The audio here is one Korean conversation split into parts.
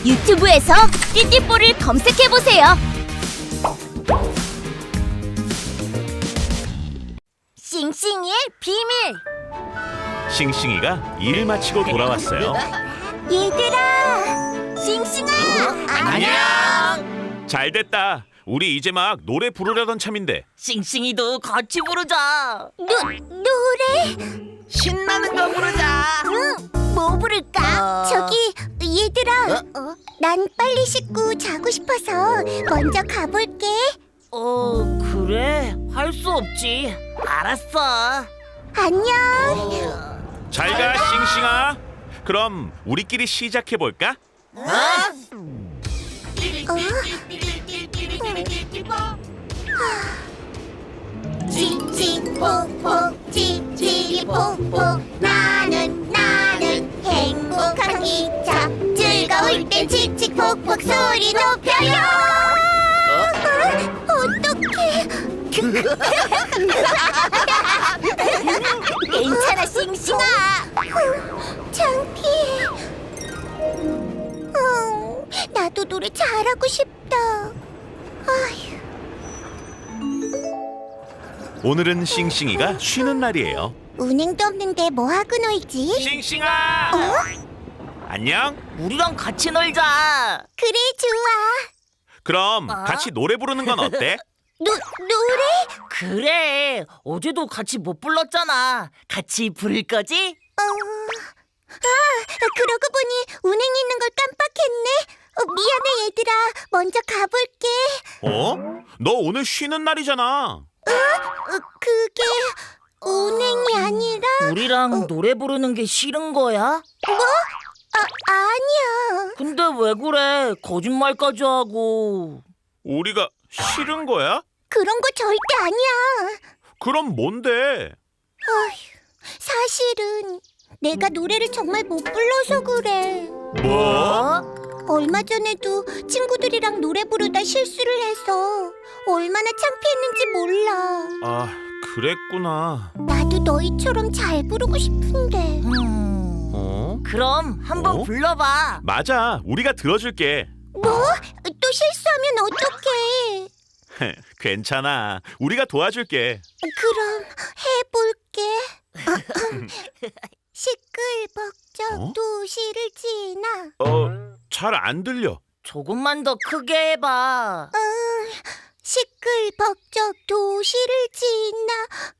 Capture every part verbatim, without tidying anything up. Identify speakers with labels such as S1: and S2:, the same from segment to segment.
S1: 유튜브에서 띠띠뽀를 검색해보세요. 싱싱이의 비밀.
S2: 싱싱이가 일 마치고 돌아왔어요.
S1: 얘들아, 싱싱아,
S2: 안녕. 잘 됐다. 우리 이제 막 노래 부르려던 참인데.
S3: 싱싱이도 같이 부르자.
S1: 노, 노래?
S3: 신나는 거 부르자.
S1: 응, 뭐 부를까?
S3: 어.
S1: 저기, 얘들아, 어? 난 빨리 씻고 자고 싶어서 먼저 가볼게.
S3: 어, 그래? 할 수 없지. 알았어.
S1: 안녕.
S2: 잘 가, 싱싱아. 그럼 우리끼리 시작해 볼까?
S3: 어?
S1: 칙칙폭폭 칙칙폭폭 나는 나는 행복한 기차 즐거울 땐 칙칙폭폭 소리 높여요. 어? 어떡해. 괜찮아 싱싱아. 창피해. 어, 나도 노래 잘하고 싶다. 아휴.
S2: 오늘은 싱싱이가 쉬는 날이에요.
S1: 운행도 없는데 뭐 하고 놀지?
S2: 싱싱아.
S1: 어?
S2: 안녕.
S3: 우리랑 같이 놀자.
S1: 그래 좋아.
S2: 그럼
S3: 어?
S2: 같이 노래 부르는 건 어때?
S1: 노 노래?
S3: 그래. 어제도 같이 못 불렀잖아. 같이 부를 거지?
S1: 어. 아 그러고 보니 운행 있는 걸 깜빡했네. 어, 미안해 얘들아. 먼저 가볼게.
S2: 어? 너 오늘 쉬는 날이잖아.
S1: 어, 그게 운행이 아니라
S3: 우리랑 노래 부르는 게 싫은 거야?
S1: 뭐? 아 아니야.
S3: 근데 왜 그래? 거짓말까지 하고.
S2: 우리가 싫은 거야?
S1: 그런 거 절대 아니야.
S2: 그럼 뭔데?
S1: 어휴, 사실은 내가 노래를 정말 못 불러서 그래.
S2: 뭐?
S1: 얼마 전에도 친구들이랑 노래 부르다 실수를 해서 얼마나 창피했는지 몰라.
S2: 아, 그랬구나.
S1: 나도 너희처럼 잘 부르고 싶은데.
S3: 음.
S2: 어?
S3: 그럼 한번
S2: 어?
S3: 불러봐.
S2: 맞아. 우리가 들어줄게.
S1: 뭐? 또 실수하면 어떡해?
S2: 괜찮아. 우리가 도와줄게.
S1: 그럼 해볼게. 시끌벅적
S2: 어?
S1: 도시를 지나.
S2: 어, 잘 안 들려.
S3: 조금만 더 크게 해봐.
S1: 음, 시끌벅적 도시를 지나.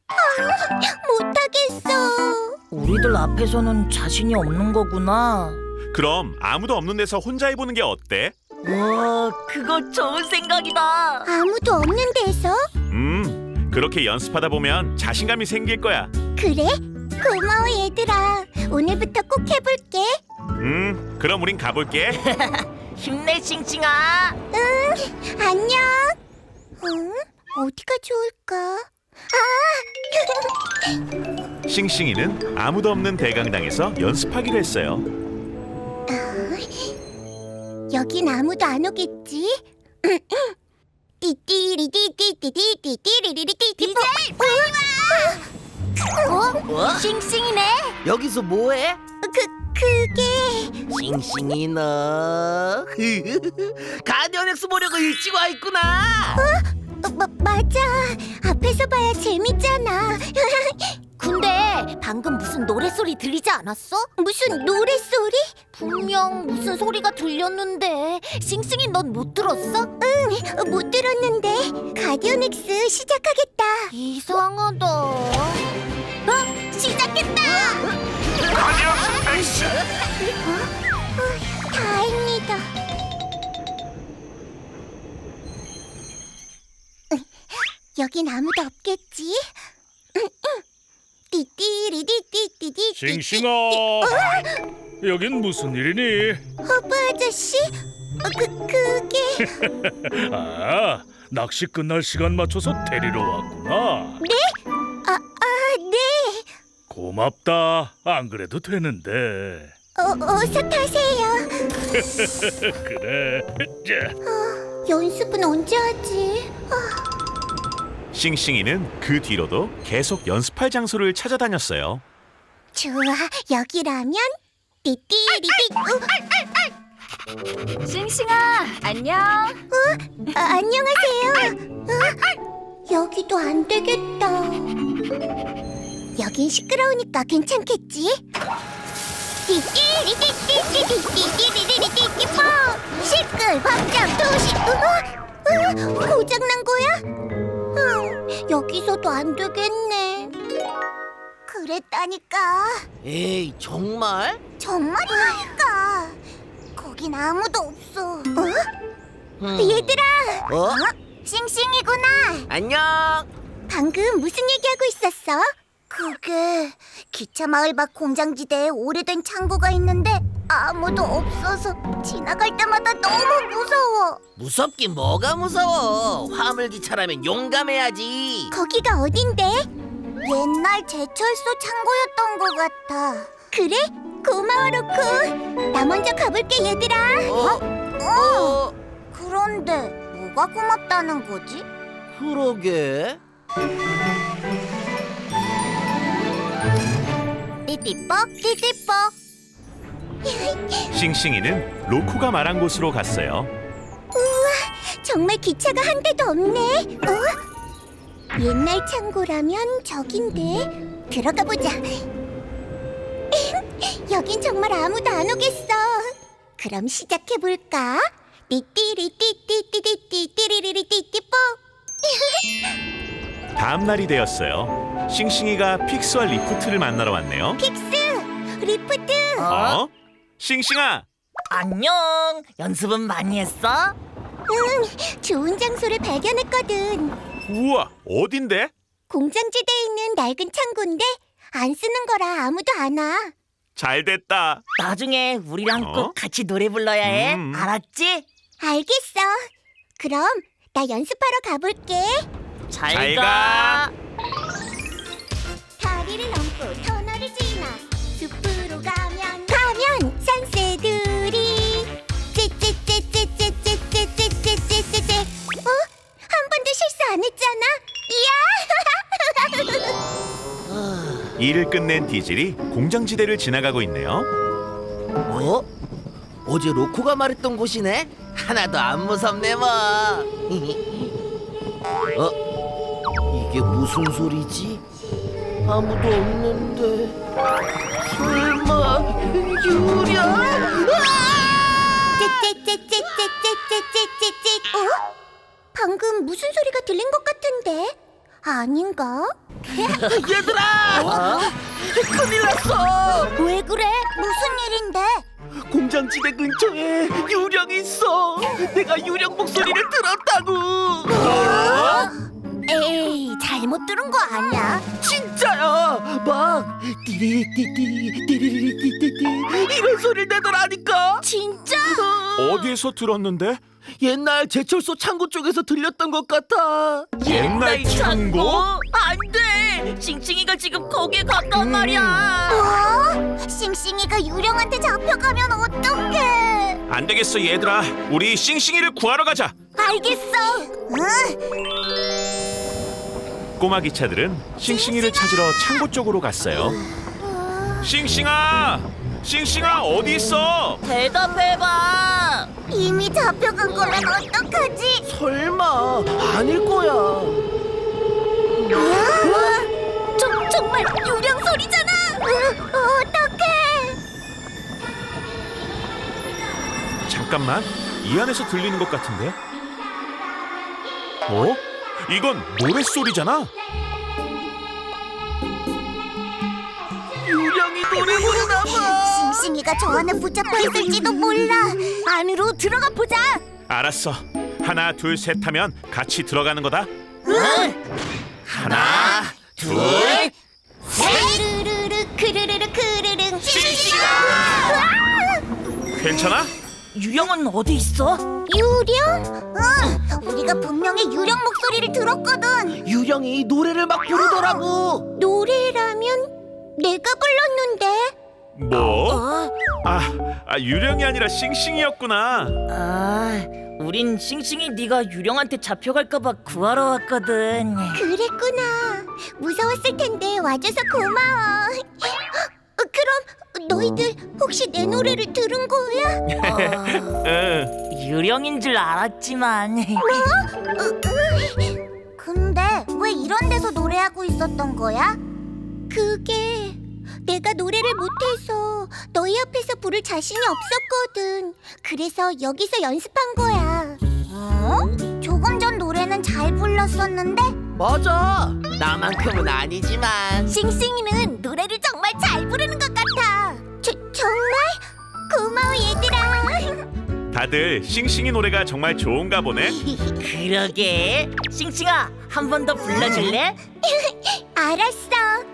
S1: 아, 못하겠어.
S3: 우리들 앞에서는 자신이 없는 거구나.
S2: 그럼 아무도 없는 데서 혼자 해보는 게 어때?
S3: 와, 그거 좋은 생각이다.
S1: 아무도 없는 데서?
S2: 음, 그렇게 연습하다 보면 자신감이 생길 거야.
S1: 그래? 고마워 얘들아. 오늘부터 꼭 해볼게.
S2: 음, 그럼 우린 가볼게.
S3: 힘내, 싱싱아.
S1: 응, 안녕. 응? 어디가 좋을까? 아!
S2: 싱싱이는 아무도 없는 대강당에서 연습하기로 했어요.
S1: 여긴 아무도 안 오겠지? 띠띠리띠띠띠띠띠띠리리띠띠 디제이 빨리 와! 어?
S3: 어?
S1: 싱싱이네?
S3: 여기서 뭐해?
S1: 그, 그게...
S3: 싱싱이 너. 가디언엑스 보려고 일찍 와 있구나.
S1: 어, 마, 맞아. 앞에서 봐야 재밌잖아. 근데 방금 무슨 노랫소리 들리지 않았어? 무슨 노랫소리? 분명 무슨 소리가 들렸는데. 싱싱이 넌 못 들었어? 응, 못 들었는데. 가디언엑스 시작하겠다. 이상하다. 어? 시작했다.
S2: 가디언엑스.
S1: 어? 다행이다. 여긴 아무도 없겠지? 띠띠리디띠띠띠.
S4: 싱싱아, 여긴 무슨 일이니?
S1: 허브 아저씨? 어, 그, 그게...
S4: 아, 낚시 끝날 시간 맞춰서 데리러 왔구나.
S1: 아, 아, 네.
S4: 고맙다. 안 그래도 되는데.
S1: 어, 어서 타세요.
S4: 그래. 자,
S1: 어, 연습은 언제 하지? 어.
S2: 싱싱이는 그 뒤로도 계속 연습할 장소를 찾아다녔어요.
S1: 좋아, 여기라면 띠띠리디. 어?
S5: 싱싱아, 안녕.
S1: 아, 안녕하세요. 어? 여기도 안 되겠다. 여긴 시끄러우니까 괜찮겠지? 띠띠리띠띠띠띠띠띠띠띠띠띠 시끌 박장 도시. 어? 어? 고장난 거야? 음, 여기서도 안 되겠네. 그랬다니까.
S6: 에이, 정말?
S1: 정말이라니까. 거긴 아무도 없어. 어?
S6: 음.
S1: 얘들아.
S6: 어?
S1: 싱싱이구나.
S6: 안녕.
S1: 방금 무슨 얘기하고 있었어? 그게 기차 마을 밖 공장지대에 오래된 창고가 있는데 아무도 없어서 지나갈 때마다 너무 무서워.
S6: 무섭긴 뭐가 무서워. 화물기차라면 용감해야지.
S1: 거기가 어딘데? 옛날 제철소 창고였던 것 같아. 그래? 고마워 로쿠. 나 먼저 가볼게 얘들아.
S6: 어?
S1: 어. 그런데 뭐가 고맙다는 거지?
S6: 그러게.
S1: 띠띠뻑 띠띠뻑.
S2: 싱싱이는 로쿠가 말한 곳으로 갔어요.
S1: 정말 기차가 한 대도 없네. 어? 옛날 창고라면 저긴데 들어가 보자. 여긴 정말 아무도 안 오겠어. 그럼 시작해 볼까? 띠띠리 띠띠띠띠띠 띠리리리 띠띠뽀.
S2: 다음 날이 되었어요. 싱싱이가 픽스와 리프트를 만나러 왔네요.
S1: 픽스, 리프트.
S2: 어? 싱싱아,
S3: 안녕. 연습은 많이 했어?
S1: 응, 좋은 장소를 발견했거든.
S2: 우와, 어딘데?
S1: 공장지대에 있는 낡은 창고인데 안 쓰는 거라 아무도 안 와.
S2: 잘 됐다.
S3: 나중에 우리랑
S2: 어?
S3: 꼭 같이 노래 불러야 해.
S2: 음.
S3: 알았지?
S1: 알겠어. 그럼 나 연습하러 가볼게.
S3: 잘,
S2: 잘
S3: 가.
S2: 가.
S1: 다리를 넘고 터널을 지나 숲으로 가면 가면 산새들이 찌찌찌찌찌찌찌찌찌찌찌찌. 어? 한 번도 실수 안 했잖아. 이야.
S2: 일을 끝낸 디젤이 공장지대를 지나가고 있네요.
S6: 어? 어제 로코가 말했던 곳이네? 하나도 안 무섭네 뭐. 어? 이게 무슨 소리지? 아무도 없는데. 설마 유령?
S1: 찌찌찌찌찌찌찌찌찌찌. 어? 방금 무슨 소리가 들린 것 같은데? 아닌가?
S6: 얘들아! 큰일 났어!
S1: 왜 그래? 무슨 일인데?
S6: 공장지대 근처에 유령이 있어. 내가 유령 목소리를 들었다고.
S1: 에이, 잘못 들은 거 아니야?
S6: 진짜야. 막 띠리띠띠 띠리리띠띠띠 이런 소리를 내더라니까.
S1: 진짜?
S2: 어디에서 들었는데?
S6: 옛날 제철소 창고 쪽에서 들렸던 것 같아.
S2: 옛날 창고?
S3: 안 돼. 싱싱이가 지금 거기에 갔단 말이야.
S1: 어? 싱싱이가 유령한테 잡혀가면 어떡해?
S2: 안 되겠어 얘들아. 우리 싱싱이를 구하러 가자.
S1: 알겠어. 응?
S2: 꼬마 기차들은 싱싱이를 찾으러 창고 쪽으로 갔어요. 싱싱아! 싱싱아 어디 있어?
S3: 대답해봐.
S1: 이미 잡혀간 거면 어떡하지?
S6: 설마 아닐 거야.
S1: 어? 저, 정말 유령 소리잖아. 어, 어떡해?
S2: 잠깐만, 이 안에서 들리는 것 같은데? 어? 이건 노랫소리잖아?
S6: 유령이 노래 부르나 봐.
S1: 싱싱이가 저 안에 붙잡혀 있을지도 몰라. 안으로 들어가 보자.
S2: 알았어. 하나, 둘, 셋 하면 같이 들어가는 거다. 하나, 둘,
S1: 스르르르 크르르르 크르릉.
S2: 괜찮아?
S3: 유령은 어디 있어?
S1: 유령? 응, 우리가 분명히 유령 목소리를 들었거든.
S6: 유령이 노래를 막 부르더라고.
S1: 노래라면 내가 불렀는데.
S2: 뭐? 아, 아 유령이 아니라 싱싱이였구나.
S3: 아, 우린 싱싱이 네가 유령한테 잡혀갈까봐 구하러 왔거든.
S1: 그랬구나. 무서웠을 텐데 와줘서 고마워. 그럼 너희들 혹시 내 노래를 들은 거야?
S2: 응.
S3: 유령인 줄 알았지만
S1: 으, 으. 근데 왜 이런 데서 노래하고 있었던 거야? 그게 내가 노래를 못해서 너희 앞에서 부를 자신이 없었거든. 그래서 여기서 연습한 거야. 어? 조금 전 노래는 잘 불렀었는데
S6: 맞아. 나만큼은 아니지만.
S1: 싱싱이는 노래를 정말 잘 부르는 것 같아. 저, 정말? 고마워 얘들아.
S2: 다들 싱싱이 노래가 정말 좋은가 보네.
S3: 그러게. 싱싱아, 한 번 더 불러줄래?
S1: 알았어.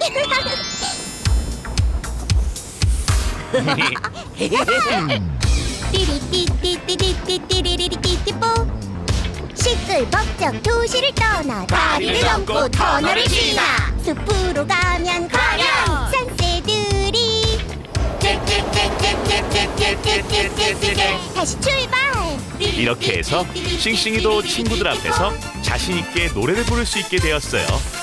S1: 띠리띠띠띠띠띠띠리리띠띠뽀 시끌벅적 도시를 떠나 다리를 넘고 터널을 지나 숲으로 가면 과연 산새들이 다시 출발.
S2: 이렇게 해서 싱싱이도 친구들 앞에서 자신 있게 노래를 부를 수 있게 되었어요.